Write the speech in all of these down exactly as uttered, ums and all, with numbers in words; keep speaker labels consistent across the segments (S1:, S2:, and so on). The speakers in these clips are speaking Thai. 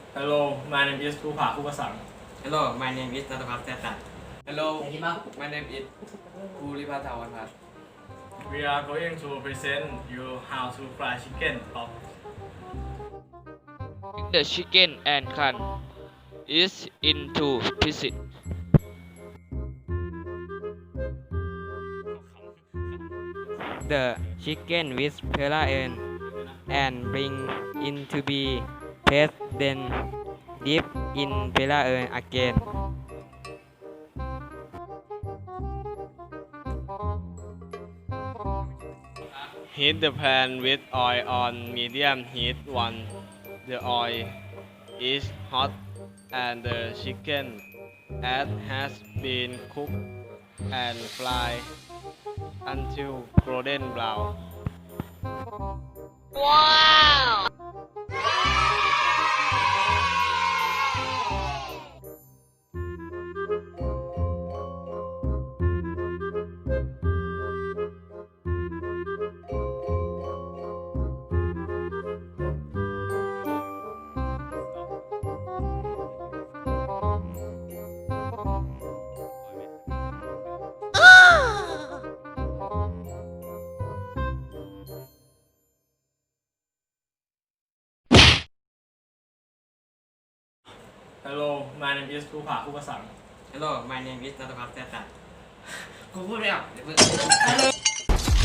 S1: Hello, my name is ภูผาภูกสัง
S2: Hello, my name is นัทพัฒน์แซ่ตัน Hello, my name is ภูริพัฒน์ถาวรพัฒน์
S1: We are going to present you how to fry chicken top.
S3: The chicken and can is into pieces.
S4: The chicken with peel and bring in to be paste, then dip in peel again.
S5: Heat the pan with oil on medium heat once the oil is hot and the chicken as has been cooked and fried until golden brown.
S1: Hello, my name is ภูผาภูกสัง
S2: Hello, my name is นัทพัฒน์แซ่ตันกูพูดไม่ออกเดี๋ยวมึง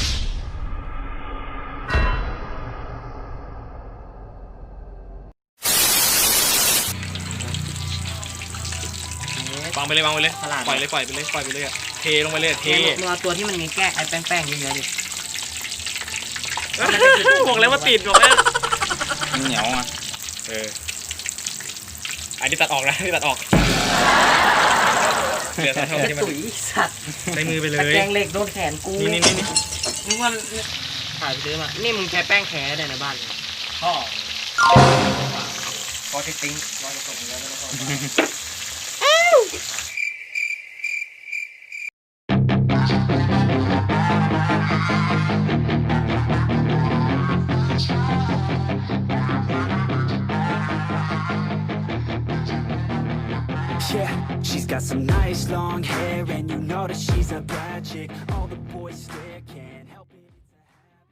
S5: วางไปเลยวางไปเลย
S4: ฉลาด
S5: ปล่อยเลยปล่อยไปเลยปล่อยไปเลยอะเทลงไปเลยเท
S4: มึงเอาตัวที่มันมีแก้ไอ้แป้งๆเยอะๆดิ
S5: บอกแล้วว่าติดบอกแล้ว
S6: เหนียวอ่ะ
S5: เอออันนี้ตัดออกนะอันนี้ตัดออกเดี๋ยวทำให้มัน
S4: ตุ๋ยสัตว์
S5: ใช้มือไปเล
S4: ตะ
S5: ย
S4: แกรงเหล็กโดนแขนกู
S5: นี่นี่นี่นี่
S4: มึงว่าถ่ายไปซื้อมา นี่มึงใช้แป้งแขได้ในบ้าน
S1: พ่อ
S2: พอจะติ้งรอจะส่งเงินแล้วก็
S7: Yeah, she's got some nice long hair, and you know that she's a bad chick. All the